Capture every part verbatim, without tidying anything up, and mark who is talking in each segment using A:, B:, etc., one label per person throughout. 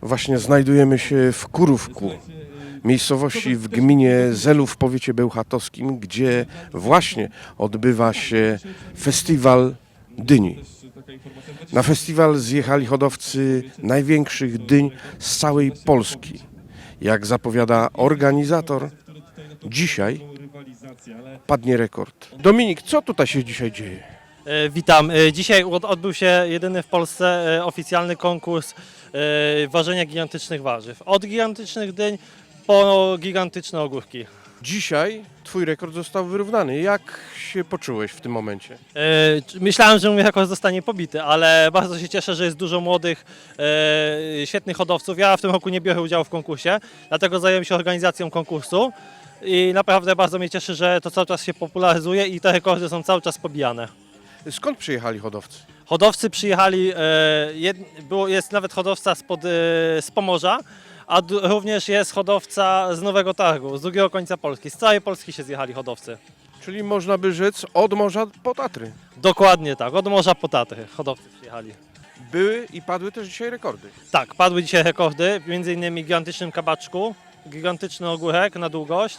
A: Właśnie znajdujemy się w Kurówku, miejscowości w gminie Zelów w powiecie bełchatowskim, gdzie właśnie odbywa się festiwal dyni. Na festiwal zjechali hodowcy największych dyń z całej Polski. Jak zapowiada organizator, dzisiaj padnie rekord. Dominik, co tutaj się dzisiaj dzieje?
B: E, Witam. E, Dzisiaj od- odbył się jedyny w Polsce e, oficjalny konkurs e, ważenia gigantycznych warzyw. Od gigantycznych dyń po gigantyczne ogórki.
A: Dzisiaj twój rekord został wyrównany. Jak się poczułeś w tym momencie?
B: E, c- Myślałem, że mój rekord zostanie pobity, ale bardzo się cieszę, że jest dużo młodych, e, świetnych hodowców. Ja w tym roku nie biorę udziału w konkursie, dlatego zająłem się organizacją konkursu i naprawdę bardzo mnie cieszy, że to cały czas się popularyzuje i te rekordy są cały czas pobijane.
A: Skąd przyjechali hodowcy?
B: Hodowcy przyjechali, e, jed, było, jest nawet hodowca spod, e, z Pomorza, a d, również jest hodowca z Nowego Targu, z drugiego końca Polski. Z całej Polski się zjechali hodowcy.
A: Czyli można by rzec od morza po Tatry.
B: Dokładnie tak, od morza po Tatry hodowcy przyjechali.
A: Były i padły też dzisiaj rekordy.
B: Tak, padły dzisiaj rekordy, między innymi gigantycznym kabaczku, gigantyczny ogórek na długość.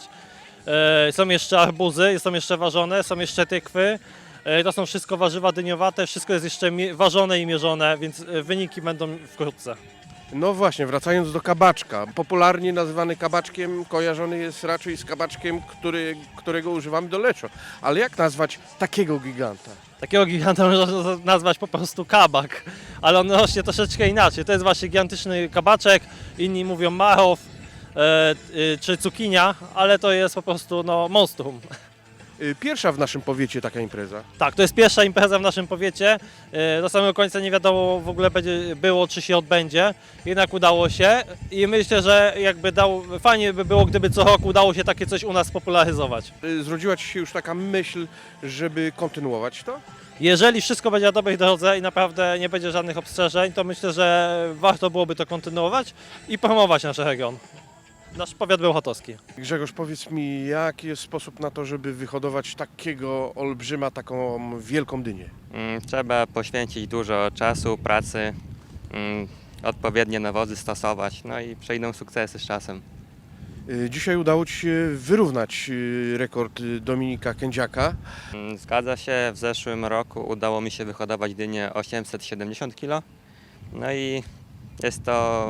B: E, są jeszcze arbuzy, są jeszcze ważone, są jeszcze tykwy. E, to są wszystko warzywa dyniowate, wszystko jest jeszcze mi- ważone i mierzone, więc e, wyniki będą wkrótce.
A: No właśnie, wracając do kabaczka. Popularnie nazywany kabaczkiem kojarzony jest raczej z kabaczkiem, który, którego używamy do leczo. Ale jak nazwać takiego giganta?
B: Takiego giganta można nazwać po prostu kabak, ale on rośnie troszeczkę inaczej. To jest właśnie gigantyczny kabaczek, inni mówią marow e, y, czy cukinia, ale to jest po prostu no, monstrum.
A: Y, Pierwsza w naszym powiecie taka impreza.
B: Tak, to jest pierwsza impreza w naszym powiecie. E, Do samego końca nie wiadomo w ogóle będzie było, czy się odbędzie. Jednak udało się i myślę, że jakby dał, fajnie by było, gdyby co roku udało się takie coś u nas popularyzować.
A: Y, Zrodziła Ci się już taka myśl, żeby kontynuować to?
B: Jeżeli wszystko będzie na dobrej drodze i naprawdę nie będzie żadnych obstrzeżeń, to myślę, że warto byłoby to kontynuować i promować nasz region. Nasz powiat bełchatowski.
A: Grzegorz, powiedz mi, jaki jest sposób na to, żeby wyhodować takiego olbrzyma, taką wielką dynię?
C: Mm, Trzeba poświęcić dużo czasu, pracy, mm, odpowiednie nawozy stosować, no i przejdą sukcesy z czasem.
A: Y, Dzisiaj udało Ci się wyrównać y, rekord y, Dominika Kędziaka.
C: Mm, Zgadza się, w zeszłym roku udało mi się wyhodować dynię osiemset siedemdziesiąt kilo, no i jest to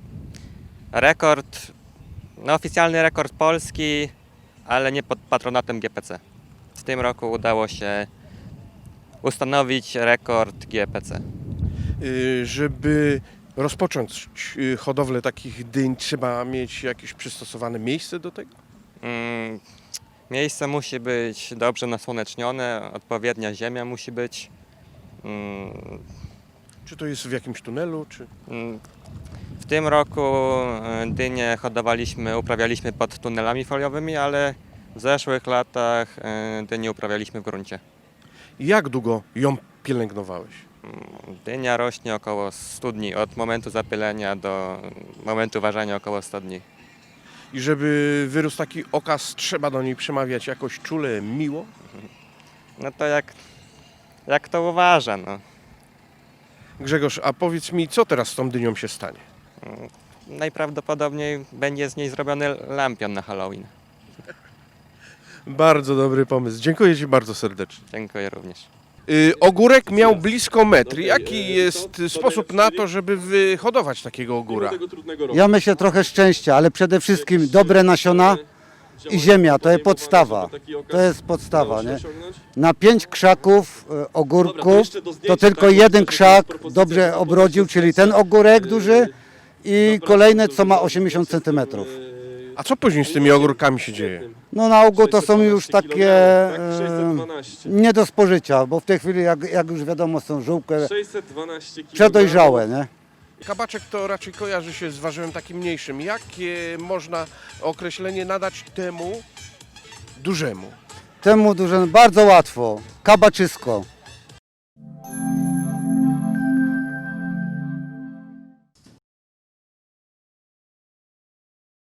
C: rekord, no oficjalny rekord Polski, ale nie pod patronatem G P C. W tym roku udało się ustanowić rekord G P C.
A: Y, Żeby rozpocząć y, hodowlę takich dyń, trzeba mieć jakieś przystosowane miejsce do tego?
C: Mm, Miejsce musi być dobrze nasłonecznione, odpowiednia ziemia musi być. Mm,
A: Czy to jest w jakimś tunelu, czy...
C: mm, W tym roku e, dynie hodowaliśmy, uprawialiśmy pod tunelami foliowymi, ale w zeszłych latach e, dynie uprawialiśmy w gruncie.
A: Jak długo ją pielęgnowałeś?
C: Mm, Dynia rośnie około stu dni, od momentu zapylenia do momentu ważenia około stu dni.
A: I żeby wyrósł taki okaz, trzeba do niej przemawiać jakoś czule, miło?
C: No to jak, jak to uważa, no.
A: Grzegorz, a powiedz mi, co teraz z tą dynią się stanie?
C: Najprawdopodobniej będzie z niej zrobiony lampion na Halloween.
A: Bardzo dobry pomysł. Dziękuję Ci bardzo serdecznie.
C: Dziękuję również.
A: Y, ogórek miał blisko metr. Jaki jest sposób na to, żeby wyhodować takiego ogóra?
D: Ja myślę trochę szczęścia, ale przede wszystkim dobre nasiona i ziemia, to jest podstawa. To jest podstawa, nie? Na pięć krzaków e, ogórku to tylko jeden krzak dobrze obrodził, czyli ten ogórek duży i kolejne, co ma osiemdziesiąt centymetrów.
A: A co później z tymi ogórkami się dzieje?
D: No na ogół to są już takie e, nie do spożycia, bo w tej chwili, jak, jak już wiadomo, są żółkie,
E: sześćset dwanaście kilogramów.
D: przedojrzałe, nie?
A: Kabaczek to raczej kojarzy się z warzywem takim mniejszym. Jakie można określenie nadać temu dużemu?
D: Temu dużo, bardzo łatwo, kabaczysko.